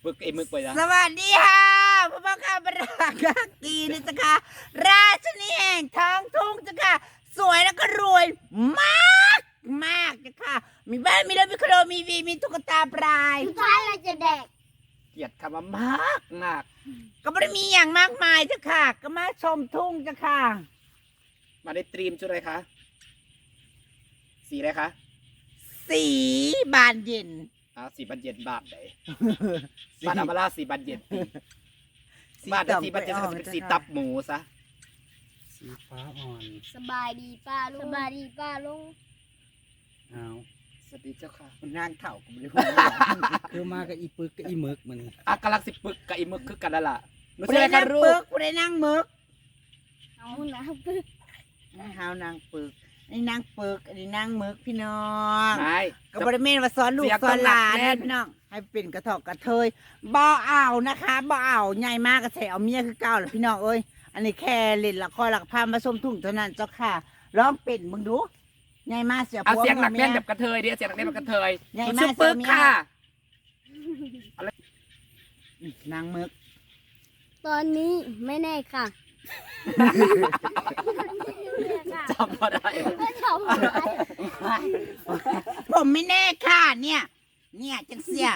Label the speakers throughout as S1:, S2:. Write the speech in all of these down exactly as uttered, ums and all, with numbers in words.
S1: ึกไอ้มึกไปนะ
S2: สวัสดีค่ะพระบังคับราชกีนะจ๊ะค่ะราชนีแห่งท้องทุ่งจ้ะค่ะสวยแล้วก็รวยมากมากจ้ะค่ะมีบ้านมีรถมีคอนโดมีวีมีตุ๊กตาปลาย
S3: สุดท้ายเราจะแดก
S1: เกลียดคำว่ามากมาก
S2: ก็ไม่ได้มีอย่างมากมายจ้ะค่ะก็มาชมทุ่งจ้ะค่ะ
S1: มาในตรีมชุดอะไรคะสีอะไรคะ
S2: สีบานเย็น
S1: อ่าสีบันเย็นบาทไหนบ้านอมราสีบันเย็นบ้านสีบันเย็นจะเป็นสีตับหมูซะ
S4: สีฟ้าอ่อน
S3: สบายดีป้าลุงสบายดีป้าลุง
S4: เอา
S1: สวัสดีเจ้าค่ะ
S2: มันนางเถ่าก็ไม่ได้พูด
S4: คือมากับอีปึกกับอีหมึกมัน
S1: อ่ะกำลังสิปึกกับไอ้มึกคือกันแล้วล่ะไม่
S2: กู
S1: ใช่
S2: ได้
S1: กั
S2: นั่
S1: น
S2: ง
S1: รู
S2: ปึ
S1: ป
S2: กกูได้นั่งมึก
S3: เอานะปึ๊ก
S2: เฮานางปึกอันนี้นางปึกอันนี้นางมึกพี่น้อง
S1: ไม่
S2: ก็บริเมนว่าสอนลูกสอนหลานพี่น้องให้เป็นกระถอกกระเทยบ่เอานะคะบ่เอาใหญ่มากกระแถเอาเมียคือเก่าแหละพี่น้องเอ้ยอันนี้แค่เล่นละครหลักพามาชมทุ่งเท่านั้นเจ้าค่ะร้องเป็นมึงดูใหญ่มากเสีย
S1: เอา
S2: ผัว
S1: เสียงหนัก
S2: เมี
S1: แน่
S2: ย
S1: นแบบกระเทยดิเสียงหนักแน่นแบบกระเทย
S2: ใหญ่
S1: มัน
S2: มาก
S1: ชื่อปึก
S2: เสียเมีย
S1: ค่ะ
S2: นางมึก
S3: ตอนนี้ไม่แน่ค่ะ
S1: จำมาได้
S3: ไม่ชอบอะไร
S2: ผมไม่แน่ค่ะเนี่ย เนี่ยจังเสีย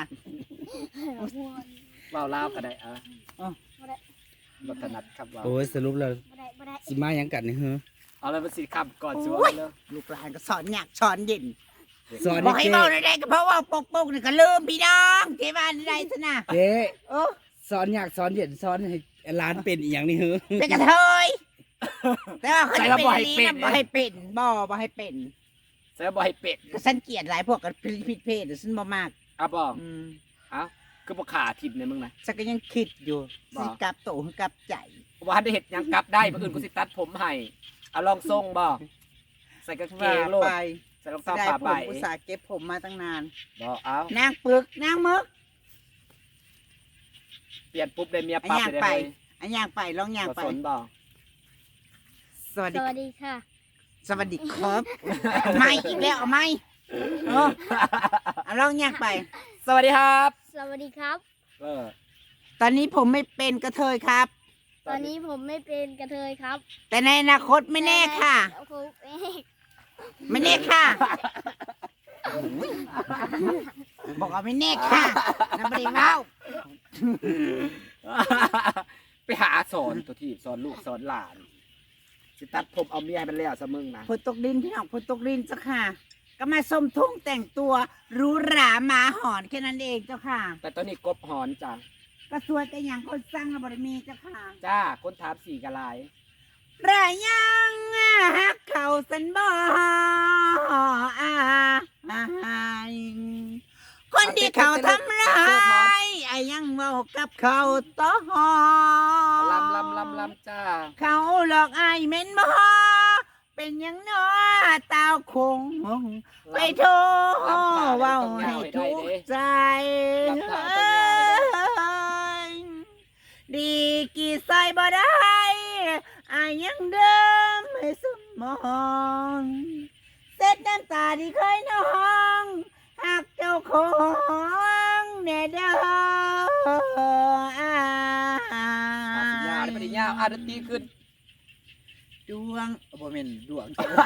S1: เบาเล่าวก็ได้อ่ะบัตนัดครับว่า
S4: โอ้ยสรุปแล้ว
S3: บ่ได้บ่ได้
S4: สิมาหยังกันนี่เหรอ
S1: เอาเลยเป็นสีคำก่อนชัวร์เลย
S2: ลูกหลานก็สอนอยากสอนเย็น
S4: สอน
S2: บอกให้
S4: เจ๊
S2: เบาได้ก็เพราะว่าปกปกนี่ก็ลืมพี่น้องเทวานได้ซะนะ
S4: เจ๊
S2: โอ้
S4: สอนอยากสอนเย็นสอนให้ร้านเป็นอีหยังนี่เหรอ
S2: เป็นกระเทยแต่ว่าเขาจะเป็นอันนี้นะบ่ให้เป็นบ่บ่ให้เป็น
S1: เสือบอยเป็ด
S2: ก็ฉันเกลียดหลายพวกกับผิดเพศฉันบ่มาก
S1: อ่ะบอก
S2: อืม
S1: เอ้าคือบอกขาทิมเนี่ยมึงนะ
S2: ฉันก็ยังคิดอยู่
S1: บ่
S2: สิกลับโตหรือกลับใจ
S1: ว่าได้เห็ดหยังกลับได้เมื่ออื่นกูสิตัดผมให้เอาลองทรงบอกใส่กางเก
S2: ว่าง
S1: โลด
S2: ไป
S1: ใส่รอง
S2: ได้
S1: เท้าผ้า
S2: ผ
S1: ใบ
S2: มอุตส่าห์เก็บผมมาตั้งนาน
S1: บอกเอา
S2: นางปึกนางมึก
S1: เปลี่ยนปุ๊บได้เมีย
S2: อัน
S1: ปั๊บ
S2: ย่าง
S1: เลย
S2: ไป
S1: ได้
S2: อันย่างไปลองย่าง
S1: บ่
S2: ไป
S1: สนบอก
S2: สวัส
S3: ส
S2: ดี
S3: วัสดีค่ะ
S2: สวัสดีครับ ไม่อีกแล้วเอาไม่เออเอาลองย่างไป
S1: สวัสดีครับ
S3: สวัสดีครับ
S1: เออ
S2: ตอนนี้ผมไม่เป็นกระเทยครับ
S3: ตอนนี้ผมไม่เป็นกระเทยครับ
S2: แต่ในอนาคตไม่แน่ค่ะ
S3: โอ้โหเอ๊ะ
S2: ไม่แน่ค่ะบอกว่าไม่แน่ค่ะน้ำบริเว้า
S1: ไปหาสอนตัวที่สอนลูกสอนหลานสิตัดผมเอาเมียให้มันแล้วซะมึงนะ
S2: ฝนตกดินพี่น้องฝนตกดินเจ้าค่ะ ก็มาส้มทุ่งแต่งตัวหรูหราหมาหอนแค่นั้นเองเจ้าค่ะ
S1: แต่ตอนนี้กบหอนจ้ะ
S2: ก็สวยแต่อย่างคนสร้างระบริมีเจ้าค่ะ
S1: จ้าคนถามสี่กะลาย
S2: รายยังฮักเขาสันบ่อาคนที่เขาทำร้ายไอ้ยังเมากับเขาต่อ
S1: ลำลำลำลำจ้า
S2: เขาหลอกไอ้เม้นบ่เป็นหยังน้อตาวคง ไปโทรเว้าให้ทุกข์ใจดีกี่ใส่บ่ได้อายยังเดิมให้สมองเซ็ดน้ำตาที่เคยน้องหักเจ้าของแน่เด้ออ่า
S1: อาสัญญาได้ปฏิญาอาดนตรีขึ้น
S2: ดวงบ่แม่นดวง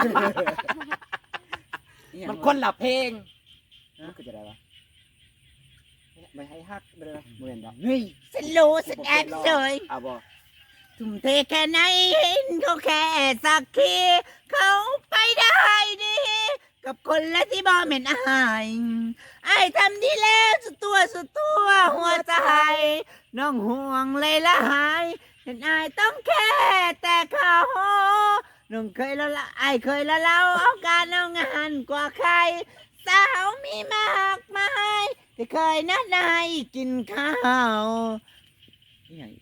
S1: มันคนละเพลงมันคือจะได้ปะไม่ให้ฮักเลยเหมือนดอก
S2: เฮ้ยฉันรู้ฉันแอบเฉย
S1: อ่ะบอก
S2: ทุ่มเทแค่ไหนเห็นเขาแค่สักทีเขาไปได้ดี กับคนละที่บ่เหม็นอายไอ้ทำดีแล้วสุดตัวสุดตัวหัวใจ น้องห่วงเลยละหายเห็นอายต้องแค่แต่เขาน้องเคยละละไอ้เคยละเล่าเอาการเอางานกว่าใคร สาวมีมากมายที่เคยนัดนายกินข้าวนี่ไง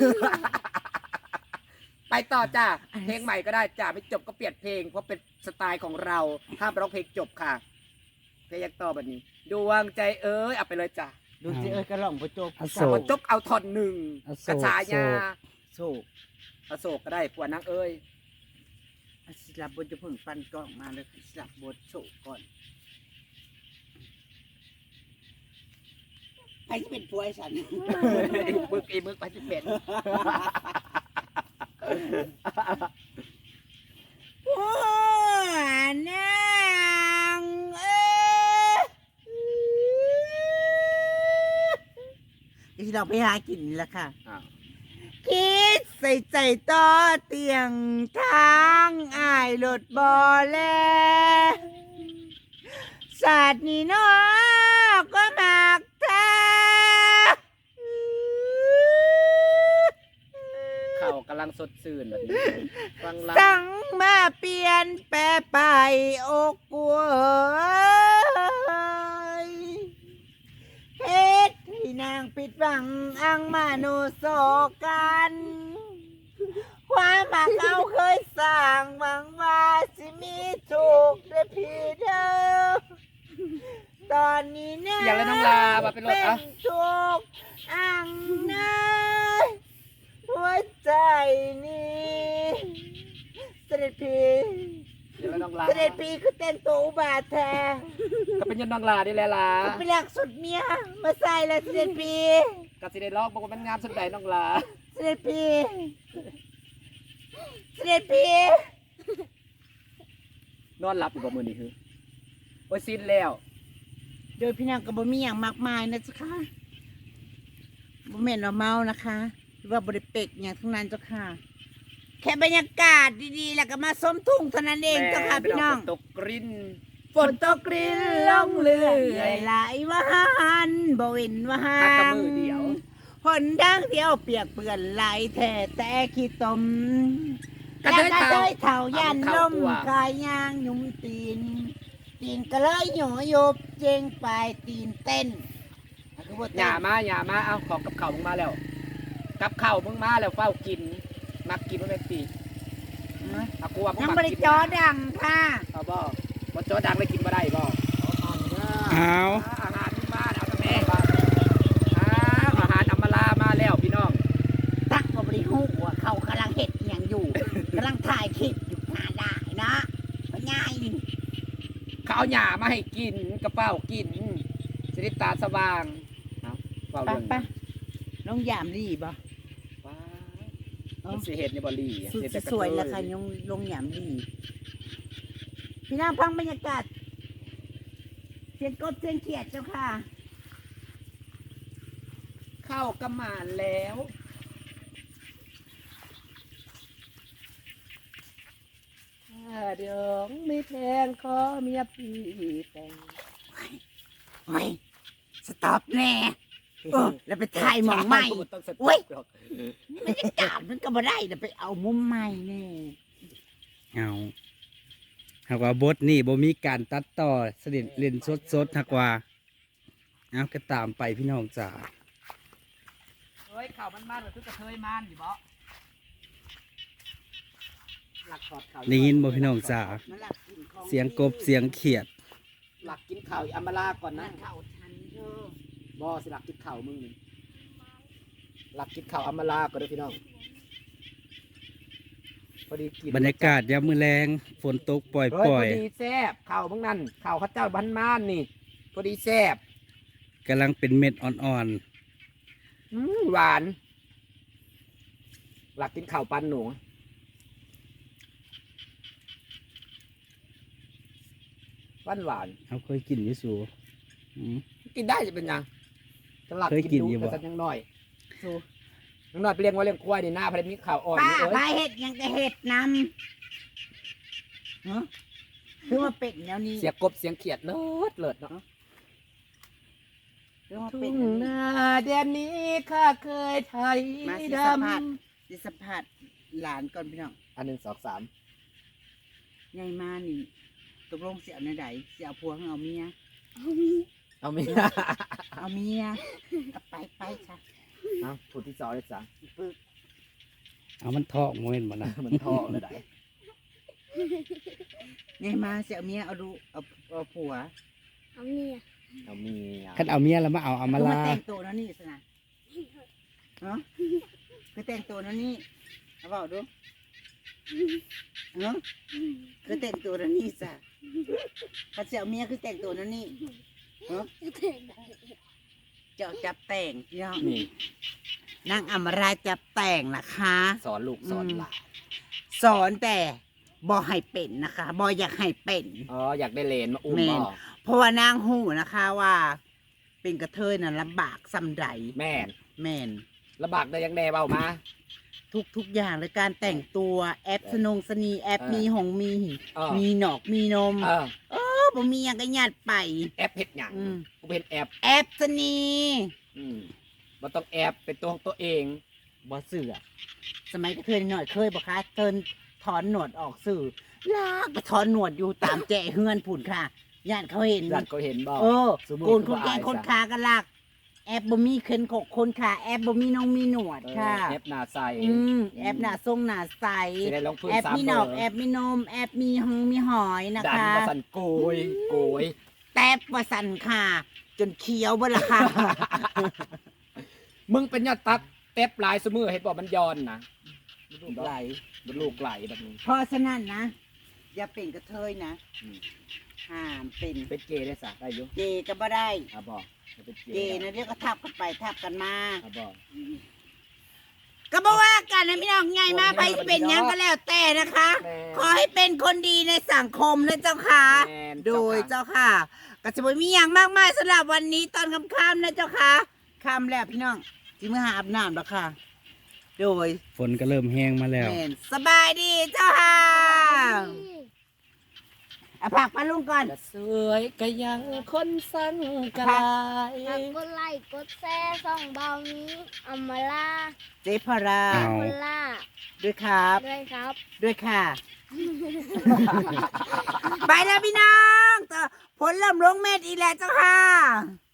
S1: ไปต่อจ้าเพลงใหม่ก็ได้จ้าไม่จบก็เปลี่ยนเพลงเพราะเป็นสไตล์ของเราห้ามร้องเพลงจบค่ะเพลงยักต่อแบบนี้ดวงใจเอ้ยเอาไปเลยจ้า
S2: ดูสิเอ้ยกระหล่องประจบ
S4: อโศ
S1: แต่
S4: ก
S1: พอจบเอาท่อนหนึ่ง
S4: อโศ
S1: กระ
S4: ก
S1: ชายา
S2: โศก
S1: อโศกก็ได้ผัวนางเอ้ย
S2: อ่ะสิลับบทจะเพิ่งฟันกล้องมาเลยสิลับบทโศกก่อนใครจะเป็นผัวไอ้ฉัน
S1: มึกอีมึกไปสิเป็น
S2: ผัวนางเอ้ยที่เราไปหากินนี่แหละค่ะ
S1: อ้าว
S2: คิดใส่ใจต่อเตียงทางอายรถบอแลศาสตร์นี่เนาะก็มากแท้
S1: เข่ากำลังสดชื่นแบบนี้ฟังล
S2: สั่งมาเปลี่ยนแปรไปอกกลัวเฮ็ดให้นางปิดบังอังมาโนโศกัน ความหมักเอาเคยสร้างหวังว่าสิมีถูกได้พี่เด้อตอนนี้นะ
S1: อย่างไรน้องลามาเป็นรถ
S2: เป็
S1: อ่ะ
S2: นทุกข์อังนะหัวใจนี้เสด็จพี่
S1: อย่างไรน้องลา
S2: เสด็จพี่คือแต่งตัวอุบาทแท้
S1: ก็เป็นยันน้องลานี่แหละล่ะ
S2: ไปหลักสุดเมียมาใส่แล้วเสด็จพี่
S1: กสิได้ลอกบอกว่ามันงามสุดใดน้องลา
S2: เสด็จพี่เสด็จพี่
S1: นอนหลับอยู่กับมือนี่คือโอ้ยสิ้นแล้ว
S2: โดยพี่นางก็บ่มีอย่างมากมายนะจ๊ะค่ะบ่แม่นว่าเมานะคะหรือว่าบ่ได้เป็กอย่างทั้งนั้นเจ้าค่ะ แค่บรรยากาศดีๆ แล้วก็มาส้มทุ่งเท่านั้นเองเจ้าค่ะพี่น้อง
S1: ฝนตกกริ้น
S2: ฝนตกกริ้นลงเรื่อยไหลวานบ่เว้นวา
S1: หากระมือเดียว
S2: หนทางเดียวเปียกเปื้อนไหลแท้แต่ขี้ตม
S1: กระ
S2: แล้ว
S1: เทย
S2: ก็
S1: เฒ่า
S2: เทยเท่ายัน
S1: เอา
S2: ล
S1: เข้าม ตัว
S2: กายยางหยุ่มตีน ตีนก็เลยหย่อยบเจงไปตีนเต้นคือว่า
S1: ห
S2: เต้
S1: ย่าน มาหย่ามาเอาของกับเข่าวมึงมาแล้ว กับเข่าวมึงมาแล้วเฝ้ากิน มักกินมันเป็นปีเอากูว่ามึง
S2: ยัง
S1: มัก
S2: ไม่ได้
S1: กิน
S2: จอดังค่ะ
S1: เอาบ่บ่จอดังเลยกินบ่ได้บ่
S4: เอา
S1: อาหารมึงมาแล้วแม่อ้าวอาหารอำมาลามาแล้วพี่น้อง
S2: ตักก็บริหูว่าเขากำลังเห็ดอหย่างอยู่ กำลังถ่ายคลิปอยู่หาได้นะก็ง่ายนี่
S1: เขาเอาหย่ามาให้กินกระเป๋ากินสิริตาสว่างเอาเฝ้า
S2: ไป
S1: เรื่อง
S2: ไปน้องยามรีบ่
S1: ว้ามันสิเฮ็ดในบ่ลีอะ
S2: สุด
S1: เฮ็ดแต่กระ
S2: สวย
S1: เท
S2: แล้วค่ะยงลงยามรีพี่น้องพังบรรยากาศเสียงกบเสียงเขียดเจ้าค่ะ
S1: เข้ากระหม่านแล้วถ้าเดี๋ยวไม่แทงขอเมียพี่แต่ง
S2: โอ้ยสต็อปแน่เออแล้วไปถ่ายหมองใหม่
S1: ต้องส
S2: โอ้ย
S1: หรอก
S2: บรรยากาศมันก็บ่ได้เดี๋ยวไปเอามุมใหม่แน่
S4: เอาหากว่าบทนี่บ่มีการตัดต่อเสด็จเล่นสดๆหากว่าเอาก็ตามไปพี่น้องจ๋า
S1: เฮ้ยข่าวมันมันหรือคือกระเทยมันอยู่บ่หลักถอดข่าว
S4: ได้ยินบ่พี่น้องจ๋า
S2: มันหลักกินของ
S4: เสียงกบเสียงเขียด
S1: หลักกินข่าวอีอัมมาลาก่อน
S2: มั
S1: นะ
S2: นเข้าทันเธอ
S1: บ่สิหลักกินข่าวมึงนี่หลักกินข่าวอัมมาลาก่อนเด้อพี่น้องพอดีกิน
S4: บรรยากาศยามมื้อแรงฝนตกปล่อย
S1: เฮ้ย
S4: ปล่
S1: พ
S4: อ
S1: อย ดีแซ่บข่าวมึงนั่นข่าวข้าเจ้าบ้านม่านนี่พอดีแซ่บ
S4: กำลังเป็นเม็ดอ่อน
S1: อืมหวาน หลักกินข่าวปันหนูหวานหวาน
S4: ๆเขาเคยกินอยู่สูอืม
S1: กินได้จะเป็นยังจะหลัก
S4: เคยกิน
S1: ดู
S4: อยู่บ่
S1: แต่สักยังน้อยสู้ยังน้อยไปเลี้ยงไว้เลี้ยงควายนี่หน้าพอดีมีข่าวอ่อน
S2: ป้า
S1: นี่เอ้
S2: พาย เห็ดยังก็เห็ดนำเนาะคือว่าเป็ดแนวนี้
S1: เสียงกบเสียงเขียดเลิศเลิศเนาะ
S2: คือว่า
S1: ทุ่
S2: เป็ด
S1: ง
S2: แนวนี้
S1: นาเดือนนี้ข้าเคยไทย
S2: มาสิ
S1: ด
S2: สัมภาษณ์
S1: ำ
S2: ดิสัมภาษณ์หลานก่อนพี่น้อง
S1: อันหนึ่งสองสาม
S2: ใหญ่มานี่ตกลงเสียในใดเสียผัวให้เอาเมีย
S1: เอามี
S2: เอาเมียเอาไปไปค่ะ
S1: เอาพูดที่สองเลยจ้ะ
S2: ปึก
S4: เอามันท้องบ่แม่นบ่นะ
S1: มันท่อเลยได้
S2: ใหญ่มาเสียเอาเมียเอาดูเอาเอาผัว
S3: เอาเมีย
S1: เอามีอ่ะ
S4: คันเอาเมียแล้วมาเอาอามา
S2: คือ
S4: ลา
S2: แต่งตัวนั่นนี่สินะเนาะคือแต่งตัวนั่นนี่เอาเปล่าดูเนาะคือแต่งตัวนั่นนี่จ้ะเขาเสียเอาเมียคือแต่งตัวนั่นนี่เนาะ
S3: จะแต่ง
S2: เจ้าจับแต่งพี่น้อง
S1: นี่
S2: นางอมราจับแต่งนะคะ
S1: สอนลูกสอนหลาน
S2: สอนแต่บอให้เป็นนะคะบออยากให้เป็น
S1: อ๋ออยากได้เลนมาอุ้ม
S2: แม่
S1: บ่
S2: น เพราะว่านางหูนะคะว่า เป็นกระเทยน่ะลำบากสำใด
S1: แม่น
S2: แม่น
S1: ลำบากได้ยังแน่เบามา
S2: ทุกทุกอย่างเลยการแต่งตัวแอปสนงสนีแอป
S1: เออ
S2: มีหงมี
S1: เออ
S2: มีหนอกมีนม
S1: เออ
S2: เออบ่มีอย่างก็ยัดไป
S1: แอปเฮ็ดหยัง
S2: อืม
S1: กูเป็นแอป
S2: แอปสนี
S1: อืมบ่ต้องแอปเป็นตัวของตัวเองบ่เสือ
S2: สมัยกระเทยหน่อยเคยบอกคะเทินถอนหนวดออกสื่อลากไปถอนหนวดอยู่ตามแจเฮือนผุนค่ะญาติเขาเห็น
S1: หลัดก็เห็นบ่
S2: เออ
S1: สมมุติ
S2: โกนคน
S1: ว่า
S2: แก่
S1: อาย
S2: คน
S1: ซะ
S2: ขากันลากแอปบ่มีเคินขกคนขาแอปบ่มีน้องมีหนวด
S1: เออ
S2: ค่ะ
S1: แอปหน้าใส
S2: อืมแอปหน้าทรงหน้าใส
S1: สิได้ลงพื้น
S2: แอป
S1: สาม
S2: มี
S1: เบ
S2: หน
S1: อ
S2: อก
S1: ร์
S2: แอปมีนมแอปมีหงมีหอยนะ
S1: ดัน
S2: คะ
S1: มาสั่นโกยโกย
S2: แตบว่าสั่นค่ะ จนเคี้ยวเบ่ละค่ะ
S1: มึงเป็นยอดตัดเต็บหลายสมือเห็นบอกมันย้อนนะ
S2: ลูกไหล
S1: มันลูกไหลแบบนี้
S2: เพราะฉะนั้นนะ อย่าเป็นกระเทยนะ
S1: อืม
S2: ห้ามเป็น
S1: เป็นเกย์ได้สะได้อยุ
S2: เกย์ก็บ่ได้
S1: อ่ะบอกจะเป็นเก
S2: เก
S1: ย์
S2: ย์นะเดี๋ยวก็ทับกันไปทับกันมา
S1: อ่ะบอก
S2: ก็บอกว่ากันนะพี่น้องไงมาไปที่เป็นหยังก็แล้วแต่นะคะ
S1: แม่
S2: ขอให้เป็นคนดีในสังคมนะเจ้าค่ะ
S1: แม่น
S2: โดย
S1: เจ้า
S2: เจ้าค่ะก็จะบ่มีอย่างมากมายสำหรับวันนี้ตอนค่ำๆนะเจ้าค่ะค่ำแล้วพี่น้องจิมือหาอาบน้ำแล้วค่ะ โดย
S4: ฝนก็เริ่มแห้งมาแล้ว
S2: แม่นสบายดีเจ้าค่ะเอาผักปลาลุงก่อน
S1: จะสวยก็ยังคนสั่งกลาย
S3: ฝากกดไลค์กดแชร์ส่องเบานี้อัมมาลา
S2: เจ๊พารา
S4: เอา
S3: คนล่า
S2: ด้วยครับ
S3: ด้วยครับ
S2: ด้วยค่ะ ไปแล้วพี่น้องต่อผลเริ่มลงเม็ดอีกแล้วเจ้าค่ะ